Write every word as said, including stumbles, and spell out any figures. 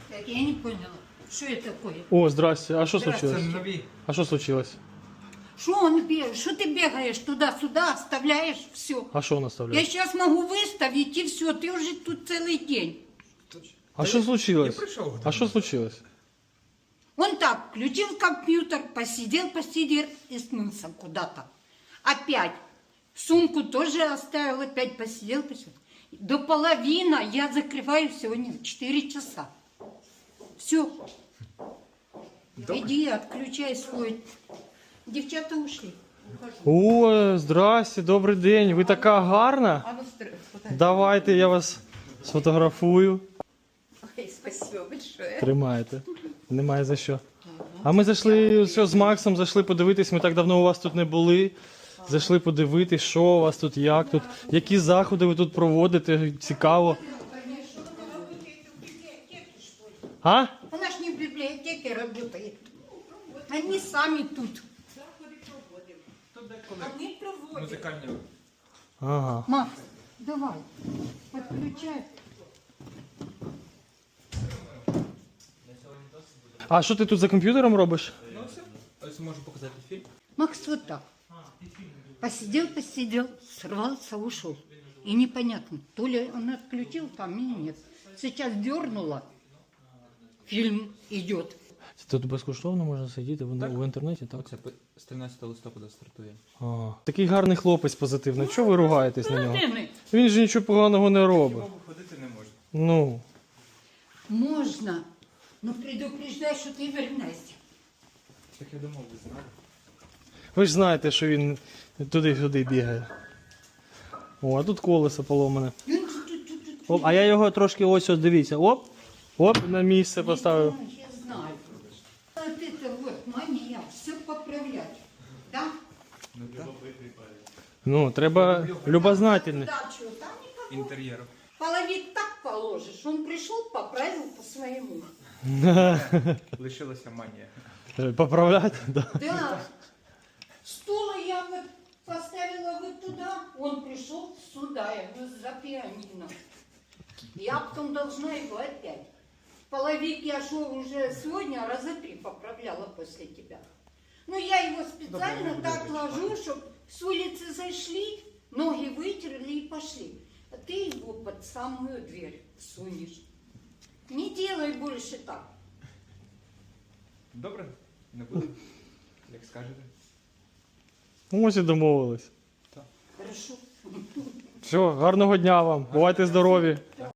Так, я не поняла, что это такое? О, здрасте. А що Здрасте. случилось? Це нові. А що случилось? Что он бегаешь? Что ты бегаешь туда-сюда, оставляешь все? А що Я наставляє? сейчас могу выставить и все, ты уже тут целый день. А що случилось? Я прийшов. А що случилось? Он так, включил компьютер, посидел, посидел и смылся куда-то. Опять. Сумку тоже оставил, опять посидел, посидел. До половины я закрываю сегодня в четыре часа. Все. Иди, отключай свой. Девчата ушли. Ухожу. О, здрасте, добрий день. Ви така гарна. А ну, стр- фото- Давайте я вас сфотографую. Ой, спасибо большое. Тримаєте. Немає за що. А ми зайшли все, з Максом, зайшли подивитись, ми так давно у вас тут не були. Зайшли подивитись, що у вас тут, як тут, які заходи ви тут проводите, цікаво. А? Она ж не в библиотеке работает. Они сами тут. Они проводят. Музикальні. Ага. Макс, давай, подключай. А що ти тут за комп'ютером робиш? Ну все. Ось можу показати фільм. Макс вот так. Посидел, посидел, сорвался, ушел. И непонятно, то ли он отключил там или нет. Сейчас дернула, фильм идет. Тут безкоштовно можна сидіти в, в інтернеті, так? Це з тринадцятого листопада стартує. Ага. Такий гарний хлопець позитивний. Чого ви ругаєтесь на нього? Родины, Він же нічого поганого не робить. Його ходити не можна. Ну. можно, но предупреждай, что ты вернешься. Так я думав, ви знали. Ви ж знаєте, що він туди-сюди бігає. О, а тут колесо поломане. Оп, а я його трошки ось ось дивіться. Оп, оп, на місце поставив. Я знаю. Вот это вот мания, все поправлять. Да? Ну так. Ну, треба любознательний. Дачу, там никакого. Інтер'єру. Половик так положишь. Он пришел, поправил по-своему. Лишилася манія. Поправляти? Да. Да. Стула я вот поставила вот туда, он пришел сюда, я говорю, за пианино. Я потом должна его опять. Половик я шел уже сегодня, раза три поправляла после тебя. Но я его специально так ложу, чтобы с улицы зашли, ноги вытерли и пошли. А ты его под самую дверь сунешь. Не делай больше так. Добре? Не буду. Як скажете. Ось і домовились. Хорошо. Все, гарного дня вам. Бувайте здорові.